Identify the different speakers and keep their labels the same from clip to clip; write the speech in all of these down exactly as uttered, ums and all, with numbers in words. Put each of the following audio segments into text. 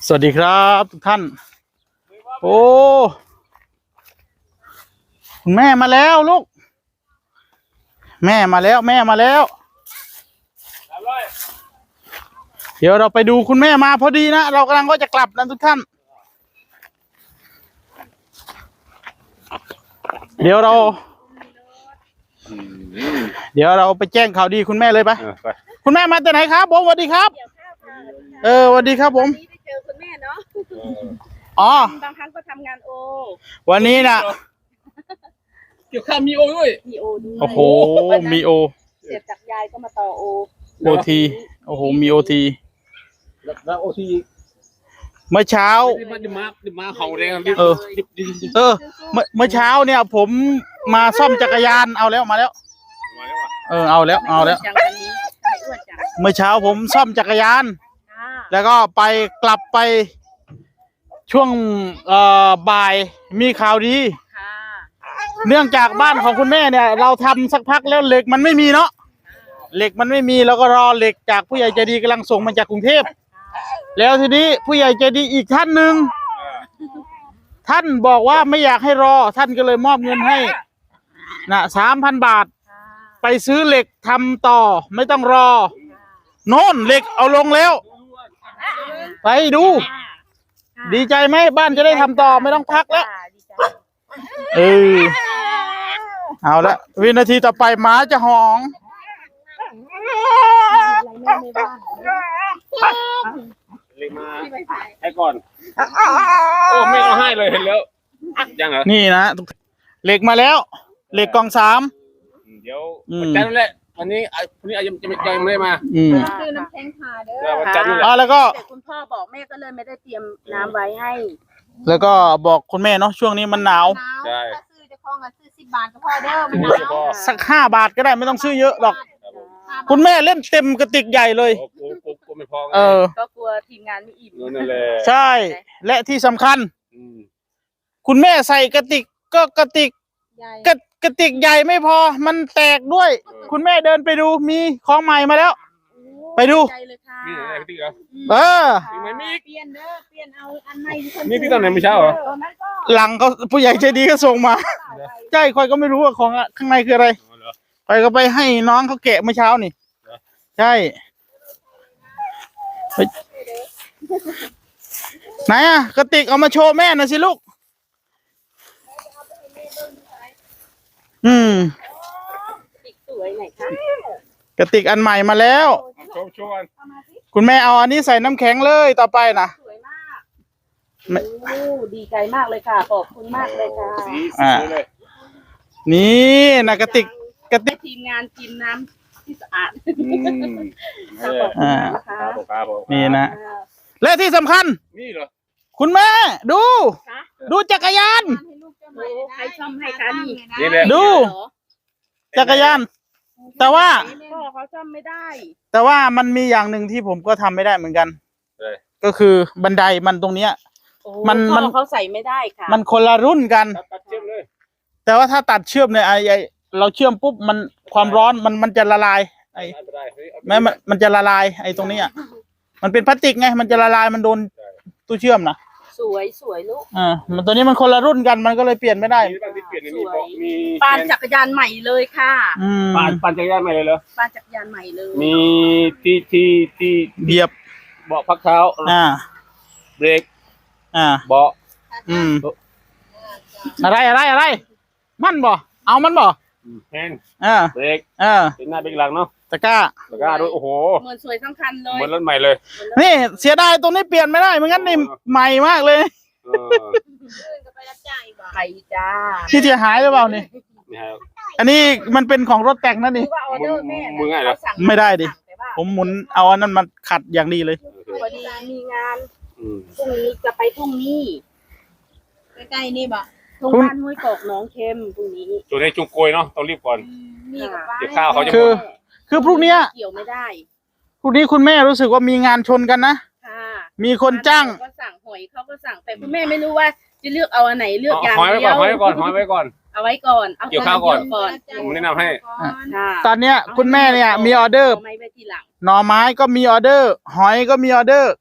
Speaker 1: สวัสดีครับทุกท่านโอ้คุณแม่มาแล้วลูกแม่มาแล้วแม่มาแล้วเดี๋ยวเราไปดูคุณแม่มาพอดีนะเรากำลังก็จะกลับนะทุกท่านเดี๋ยวเราเดี๋ยวเราไปแจ้งข่าวดีคุณแม่เลยปะคุณแม่มาแต่ไหนครับผมสวัสดีครับเออสวัสดีครับผม
Speaker 2: เจอคุณแม่เนาะ
Speaker 1: อ๋อบ
Speaker 2: างครั้งก็ทำงานโอ
Speaker 1: วันนี้นะ
Speaker 3: เกี่ยวข้าวมีโอด้วย
Speaker 2: มีโอด้วย
Speaker 1: โอ้โหมีโอ
Speaker 2: เสร็จจากยายก็มาต่อโอ
Speaker 1: โอทีโอ้โหมีโอที
Speaker 3: แล้วโอที
Speaker 1: เมื่อเช้า
Speaker 3: มาดิมาดิมาเห่าแรง
Speaker 1: เออเออเมื่อเมื่อเช้าเนี่ยผมมาซ่อมจักรยานเอาแล้วมาแล้วเออเอาแล้วเอาแล้วเมื่อเช้าผมซ่อมจักรยานแล้วก็ไปกลับไปช่วงเอ่อบ่ายมีข่าวดีเนื่องจากบ้านของคุณแม่เนี่ยเราทำสักพักแล้วเหล็กมันไม่มีเนาะเหล็กมันไม่มีแล้วก็รอเหล็กจากผู้ใหญ่ใจดีกำลังส่งมาจากกรุงเทพแล้วทีนี้ผู้ใหญ่ใจดีอีกท่านหนึ่งท่านบอกว่าไม่อยากให้รอท่านก็เลยมอบเงินให้นะสามพันบาทไปซื้อเหล็กทำต่อไม่ต้องรอโน่นเหล็กเอาลงแล้วไปดูดีใจไหมบ้านจะได้ทำต่อไม่ต้องพักแล้วเออเอาละวินาทีต่อไปหมาจะหอง
Speaker 3: เลยมาให้ก่อนโอ้ไม่เอาให้เลยเห็นแล้วยังเหรอ
Speaker 1: นี่นะเหล็กมาแล้วเหล็กกองสาม
Speaker 3: เดี๋ยววันจันทร์นั่นแหละวันนี้วันนี้ยังจะไม่ยังไม่ได้มา
Speaker 1: อืม
Speaker 2: คือน้ำแข็งขาเด้อ
Speaker 3: วันจันทร์นั่นแหละ
Speaker 1: แล้วก็
Speaker 2: คุณพ่อบอกแม่ก็เลยไม่ได้เตรียมน้ำไว้ให้
Speaker 1: แล้วก็บอกคุณแม่เนาะช่วงนี้มันหนาว
Speaker 3: ใช่
Speaker 2: ซื้อจะคล้องกันซื้อสิบบาทก็พอเด้อมันหนาว
Speaker 1: สักห้าบาทก็ได้ไม่ต้องซื้อเยอะหรอกคุณแม่เล่นเต็มกระติกใหญ่เลยเออ
Speaker 2: ก็กลัวทีมงานไม่อิ่ม
Speaker 3: นั่นแหละ
Speaker 1: ใช่และที่สำคัญคุณแม่ใส่กระติกก็กระติกกระกระติกใหญ่ไม่พอมันแตกด้วยคุณแม่เดินไปดูมีของใหม่มาแล้วไปดูเออ
Speaker 2: เปลี่ยนเด้อเปลี่ยนเอาอันใหม่
Speaker 3: นี่ที่ตอนไหนไม่เช้าเหรอ
Speaker 1: หลังก็ผู้ใหญ่ใจดีก็ส่งมาใช่คอยก็ไม่รู้ว่าของข้างในคืออะไรคอยก็ไปให้น้องเขาแกะเมื่อเช้านี่ใช่ไหนอ่ะกระติกเอามาโชว์แม่หน่อยสิลูกอืม
Speaker 2: สวยไหนคะ
Speaker 1: กระติกอันใหม่มาแล้วคุณแม่เอาอันนี้ใส่น้ำแข็งเลยต่อไปนะ
Speaker 2: สวยมากโอ้ดีใจมากเลยค่ะขอบคุณมากเลยค่ะ
Speaker 1: อ่านี่นะกระติกกระติก
Speaker 2: ทีมงานกินน้ำที่สะอาด
Speaker 1: อ่านี่นะและที่สำคัญ
Speaker 3: นี่เหรอ
Speaker 1: คุณแม่ดูดูจักรยาน
Speaker 2: ใครซ่อมให้คะนี่
Speaker 1: ดูจักรยานแต่ว่า
Speaker 2: พ่อเขาซ่อมไม่ได้
Speaker 1: แต่ว่ามันมีอย่างหนึ่งที่ผมก็ทำไม่ได้เหมือนกันก็คือบันไดมันตรงเนี้ย
Speaker 2: มันมันเขาใส่ไม่ได้ค่ะ
Speaker 1: มันคนละรุ่นกันแต่ว่าถ้าตัดเชื่อมเนี่ยไอไอเราเชื่อมปุ๊บมันความร้อนมันมันจะละลายไอแม้มันมันจะละลายไอตรงนี้อ่ะมันเป็นพลาสติกไงมันจะละลายมันโดนตู้เชื่อมนะ
Speaker 2: สวยสวยลูก
Speaker 1: อ่ามันตัวนี้มันคนละรุ่นกันมันก็เลยเปลี่ยนไม่ได้
Speaker 2: ปานจักรยานใหม่เลยค่ะ
Speaker 3: ปานปานจักรยานใหม่เลยเหรอ
Speaker 2: ปานจักรยานใหม่เลย
Speaker 3: มีที่ที่ที่
Speaker 1: เบียบ
Speaker 3: เบาะพักเท้า
Speaker 1: อ่า
Speaker 3: เบรก
Speaker 1: อ่า
Speaker 3: เบาะ
Speaker 1: อืมอะไรอะไรอะไรมันบ่เอามันบ่
Speaker 3: แฮนด์
Speaker 1: อ่า
Speaker 3: เบรก
Speaker 1: อ่า
Speaker 3: เป็นหน้าเบรกหลังเนาะ
Speaker 1: ตะกร้า
Speaker 3: ตะกร้าด้วยโอ้โห
Speaker 2: เหมือนสวยทั้งคันเลย
Speaker 3: เหมือนรถใหม่เลย
Speaker 1: นี่เสียดายตรงนี้เปลี่ยนไม่ได้ไม่งั้นนี่ใหม่มากเลย
Speaker 2: ไปจ้า
Speaker 1: ที่เสียหายหรือเปล่านี่อันนี้มันเป็นของรถแต่งนั่นนี่
Speaker 3: มือง่ายเหรอ
Speaker 1: ไม่ได้ดิผมหมุนเอาอันนั้นมาขัดอย่างดีเลย
Speaker 2: พอดีมีงานพรุ่งนี้จะไปพรุ่งนี้ใกล้ๆนี่บ่ตรงบ้านห้วยกอกน้องเค็มพรุ่งนี้
Speaker 3: ตัวในจุงโกยเนาะต้องรีบก่อนเก็บข้าวเขาจะ
Speaker 1: คือคือพรุ่งนี้
Speaker 2: เกี่ยวไม่ได้
Speaker 1: พรุ่งนี้คุณแม่รู้สึกว่ามีงานชนกันนะมีคนจ้าง
Speaker 2: ก็สั่งหอยเขาก็สั่งแต่คุณแม่ไม่รู้ว่าจะเลือกเอาอันไหนเลือกอย่าง
Speaker 3: เดียวหอยไว้ก่อนหอยไว้ก่อน
Speaker 2: เอาไว้ก่อน
Speaker 3: เกี่ยวข้าวก่อนผมแนะนำให้
Speaker 1: ตอนเนี้ยคุณแม่เนี่ยมีออเดอร์หน่อไม้ก็มีออเดอร์หอยก็มีออเดอร์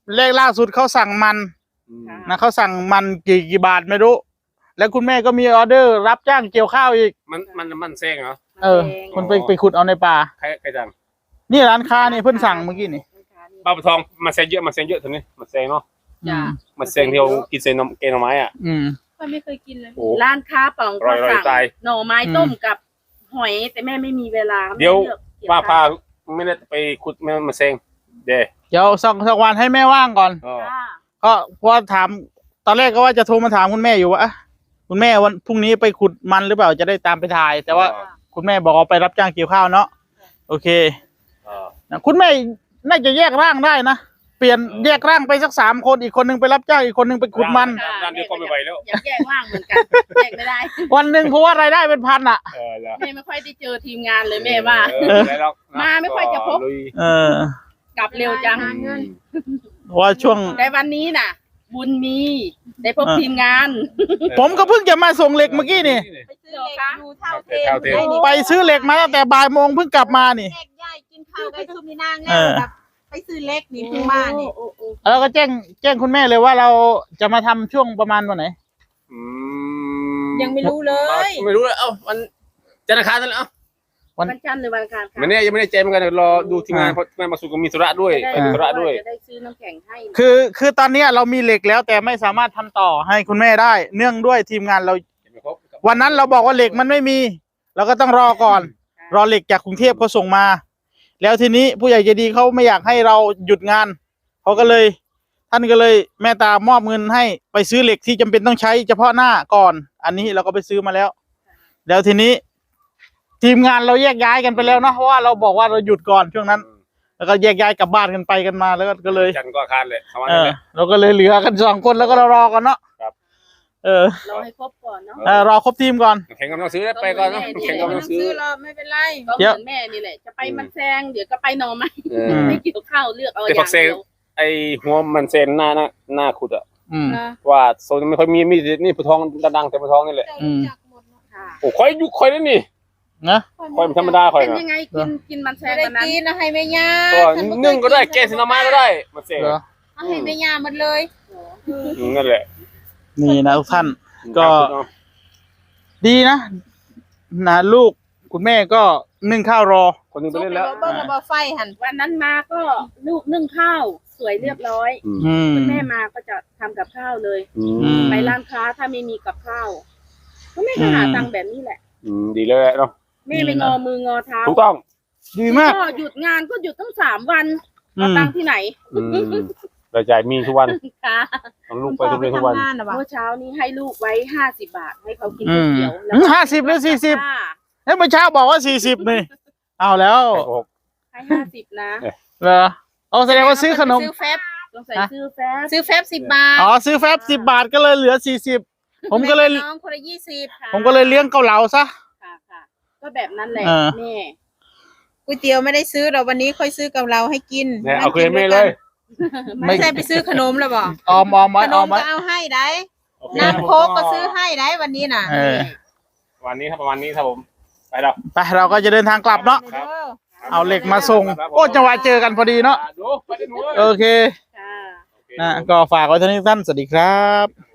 Speaker 1: เลขล่าสุดเขาสั่งมัน
Speaker 3: อืม
Speaker 1: นะเขาสั่งมันกี่กี่บาทไม่รู้ แล้วคุณแม่ก็มีออเดอร์รับจ้างเกี่ยวข้าวอีก
Speaker 3: มันมันมันแซงเหรอ
Speaker 1: เออคนไปไปขุดเอาในป่า
Speaker 3: ใครใครจัง
Speaker 1: นี่ร้านค้านี่เพิ่นสั่งเมื่อกี้นี่
Speaker 3: ป้าปะทองมันแซงเยอะมันแซงเยอะทีนี้มันแซงเนาะ
Speaker 1: อืม
Speaker 3: มันแซงที่เรากินเซนนมเกนหน่อไม้อ่ะ
Speaker 1: อืม
Speaker 2: ก็ไม่เคยกินเลย
Speaker 3: โอ้
Speaker 2: ร้านค้าป๋อง
Speaker 3: ร่
Speaker 2: ก็
Speaker 3: อยๆ
Speaker 2: สั่ง
Speaker 3: ตาย
Speaker 2: หน่อไม้ต้มกับหอยแต่แม่ไม่มีเวลา
Speaker 3: เดี๋ยว
Speaker 2: ไม่ลือกเกี่ยว
Speaker 3: ป้าพา
Speaker 2: ข้ว
Speaker 3: ไม่ได้ไปขุดไม่มาแซงเด้
Speaker 1: เดี๋ยวสักสักวันให้แม่ว่างก่อน
Speaker 3: อ๋อ
Speaker 2: จ้า
Speaker 1: ก็เพราะว่าถามตอนแรกก็ว่าจะโทรมาถามคุณแม่อยู่ว่าอ่ะคุณแม่วันพรุ่งนี้ไปขุดมันหรือเปล่าจะได้ตามไปถ่าย แต่ว่าคุณแม่บอกว่าไปรับจ้างเกี่ยวข้าวเนาะโอเค
Speaker 3: อ๋อ
Speaker 1: นะคุณแม่น่าจะแยกร่างได้นะเปลี่ยนแยกร่างไปสักสามคนอีกคนหนึงไปรับจ้างอีกคนหนึงไปขุดมัน
Speaker 3: ด้านเดียวก็ไม่ไหวแล้ว
Speaker 2: อยากแยกว่างเหมือนกันแยกไม่ได้
Speaker 1: วันหนึ่งเพราะว่ารายได้เป็นพันอ่ะ
Speaker 3: เออแล้ว
Speaker 2: แม่ไม่ค่อยได้เจอทีมงานเลยแม่ว่า
Speaker 3: เออแล้ว
Speaker 2: มาไม่ค่อยจะพบ
Speaker 3: ลุย
Speaker 1: เออก
Speaker 2: ลับเร็วจัง
Speaker 1: เพราะว่าช่วง
Speaker 2: แต่วันนี้น่ะ บุญมีได้พบ
Speaker 1: เออ
Speaker 2: ทีมงาน
Speaker 1: ผมก็เพิ่งจะมาส่งเหล็กเมื่อกี้นี่
Speaker 2: ไปซื้อเหล็กดูเท่าเท
Speaker 3: เท่าเท
Speaker 1: ไปซื้อเหล็กมาตั้งแต่บ่ายโมงเพิ่งกลับมานี่
Speaker 4: เล็กใหญ่กินข้าวไก่ซุปนี่นาง
Speaker 1: เอ
Speaker 4: แง่
Speaker 1: อ
Speaker 4: แบบไปซื้อเล็กนี่เพิ่งมานี่
Speaker 2: โอ้โอ้
Speaker 1: แล้วก็แจ้งแจ้งคุณแม่เลยว่าเราจะมาทำช่วงประมาณวันไหน
Speaker 3: อืม
Speaker 4: ยังไม่รู้เลย
Speaker 3: ไม่รู้เลยเอ้ามันจันทร์อังคารนั่นแหละเอ้า
Speaker 2: วันจันทร์หรือวันอังคารคะ
Speaker 3: มันเนี่ยยังไม่ได้แจ้งเหมือนกันเดี๋ยวรอดูทีมงานเพราะทีมงานมาสู่ก็มีธุระด้วย
Speaker 2: จะ
Speaker 3: ไป
Speaker 2: ได้
Speaker 3: ธุระด้วย
Speaker 2: จะได้ซื้อน้ำแข็งให้
Speaker 1: คือคือตอนเนี้ยเรามีเหล็กแล้วแต่ไม่สามารถทำต่อให้คุณแม่ได้ เนื่องด้วยทีมงานเรา วันนั้นเราบอกว่าเหล็กมันไม่มี เราก็ต้องรอก่อน รอเหล็กจากกรุงเทพเขาส่งมา แล้วทีนี้ผู้ใหญ่ใจดีเขาไม่อยากให้เราหยุดงานเขาก็เลย ท่านก็เลยแม่ตามอบเงินให้ไปซื้อเหล็กที่จำเป็นต้องใช้เฉพาะหน้าก่อน อันนี้เราก็ไปซื้อมาแล้ว แล้วทีนี้ ทีมงานเราแยกย้ายกันไปแล้วเนาะเพราะว่าเราบอกว่าเราหยุดก่อนช่วงนั้น แล้วก็แยกย้ายกลับบ้านกันไปกันมาแล้วก็ก็เลย
Speaker 3: จันทร์ก็อาคารเลยประมาณ
Speaker 1: เอ
Speaker 3: นั้น
Speaker 1: อ
Speaker 3: แหละ
Speaker 1: เราก็เลยเหลือกันสองคนแล้วก็รอกันเนาะ
Speaker 3: ครับ
Speaker 1: เออ
Speaker 2: รอให้ครบก่อนเนาะ
Speaker 1: เออรอครบทีมก่อน
Speaker 3: แข่งกำลังซื้อไปก่อนเนาะแข่งกำลังซื้อ
Speaker 4: หรอกไม่เป็นไร
Speaker 2: ก็เห
Speaker 1: เดี๋ยว
Speaker 2: มือนแม่นี่แหละจะไปมันแซงเดี๋ยวก็ไปหนอไม้
Speaker 3: เอ
Speaker 1: อื
Speaker 3: อ
Speaker 1: ม
Speaker 2: ไม่เกี่ยวข้าวเลือกเอาอ
Speaker 3: แต่
Speaker 2: ย่า
Speaker 3: ผั
Speaker 2: ง
Speaker 3: กเซล
Speaker 2: เดียว
Speaker 3: ไอหัวมันเซนหน้าหน้าหน้าขุดอ่ะ
Speaker 1: อืม
Speaker 4: นะ
Speaker 3: ว่าโซนไม่ค่อยมีมีนี่ผู้ทองดังๆแต่ผู้ทองนี่แหละ
Speaker 4: เจ้ารู้จักหมดเนอะ
Speaker 2: ค่ะ
Speaker 3: โอ้ค่อยยุคค่อยนี่นี่
Speaker 1: นะ
Speaker 3: ค่อยมันธรรมดาค่อย
Speaker 2: เป็น
Speaker 3: นะ
Speaker 2: ยังไงกินกินมันแซ
Speaker 4: ไม่
Speaker 2: ง
Speaker 4: ได้
Speaker 2: วันนั้น
Speaker 4: กินนะให้แม่ย่า
Speaker 3: ตัว
Speaker 4: ฉับ่เคย
Speaker 3: นึ่งก็ได้แกงสินามาก็ได้มันเซน
Speaker 1: เหรอ
Speaker 4: เอาให้แม่ย่าหมดเลย
Speaker 3: อืมนั่นแหละ
Speaker 1: นี่นะทุกท่าน ก็ ดีนะนะลูกคุณแม่ก็นึ่งข้าวรอ
Speaker 3: คนหนึงไปเล่นแล้ว
Speaker 4: เบิ้งระเบาไฟหัน
Speaker 2: วันนั้นมาก็ลูกนึ่งข้าวสวยเรียบร้อย
Speaker 1: อืม
Speaker 2: คุณแม่มาก็จะทำกับข้าวเลย
Speaker 3: อื
Speaker 1: อื
Speaker 3: ม
Speaker 1: ม
Speaker 2: ไปร้านค้าถ้าไม่มีกับข้าวก็แม่ก็หาตังค์แบบนี้แหละ
Speaker 3: อืมดีเลยเนาะ
Speaker 2: แม่ไม่งอมืองอเท้า
Speaker 3: ถูกต้อง
Speaker 1: ดีมาก
Speaker 2: ก็หยุดงานก็หยุดตั้งสามวัน
Speaker 1: อื
Speaker 2: เอา
Speaker 1: ม
Speaker 2: ตังค์ที่ไหน
Speaker 3: อืมรายจ่ายมีทุกวัน
Speaker 2: คะ
Speaker 3: เอาลูกไปทุกเรียนทุกวัน
Speaker 4: ทำงานนะวะ
Speaker 2: เมื่อเช้านี้ให้ลูกไว้ห้าสิบบาทให้เขากิน
Speaker 1: อื
Speaker 2: ก๋วย
Speaker 1: ม
Speaker 2: เตี๋ยวแล้ว
Speaker 1: ห้าสิบหรือสี่สิบ
Speaker 2: ค่ะ
Speaker 1: เฮ้ยเมื่อเช้าบอกว่าสี่สิบนี่เอาแล้ว
Speaker 3: โอ้โห
Speaker 2: ให้ห้าสิบนะ
Speaker 1: เหรอเอาแสดงว่าซื้อขนม
Speaker 4: ซื้อแฟบ
Speaker 2: ต้องใส่ซื้อแฟบ
Speaker 4: ซื้อแฟบสิบบาท
Speaker 1: อ๋อซื้อแฟบสิบบาทก็เลยเหลือสี่สิบผมก็เลย
Speaker 4: แบ่งน้องคนละยี่สิบ
Speaker 2: ค่ะ
Speaker 1: ผมก็เลยเลี้ยงเกาเหลาซะ
Speaker 2: ค่ะค่ะก็แบบนั้นแหละ
Speaker 1: เออ
Speaker 2: แม่
Speaker 4: ก๋วยเตี๋ยวไม่ได้ซื้อเราวันนี้ค่อยซื้อกับเราให้กิน
Speaker 3: เนี่ยเอาคืนไม่เลย
Speaker 1: ไม่
Speaker 4: ไม่ใช่ไปซื้อขนมแล้วบอก
Speaker 1: ออมออมไว้
Speaker 4: ขน
Speaker 1: ออ
Speaker 4: ม
Speaker 1: มไว้
Speaker 4: ก็เอาให้ได้
Speaker 3: โอเค
Speaker 4: น้ำโค้กก็ซื้อให้ได้วันนี้น่ะ
Speaker 1: เออ
Speaker 3: วันนี้ครับประมาณนี้ครับผม ไปแล้ว
Speaker 1: ไปเราก็จะเดินทางกลับเนาะ
Speaker 3: ครับ
Speaker 1: เอาเหล็กมาส่งโอ้จังหวะเจอกันพอดีเนาะ
Speaker 3: ดูไปได้หนู
Speaker 1: โอเค
Speaker 2: ค่ะ
Speaker 3: โอเค
Speaker 1: นะก็ฝากไว้เท่านี้ท่านสวัสดีครับ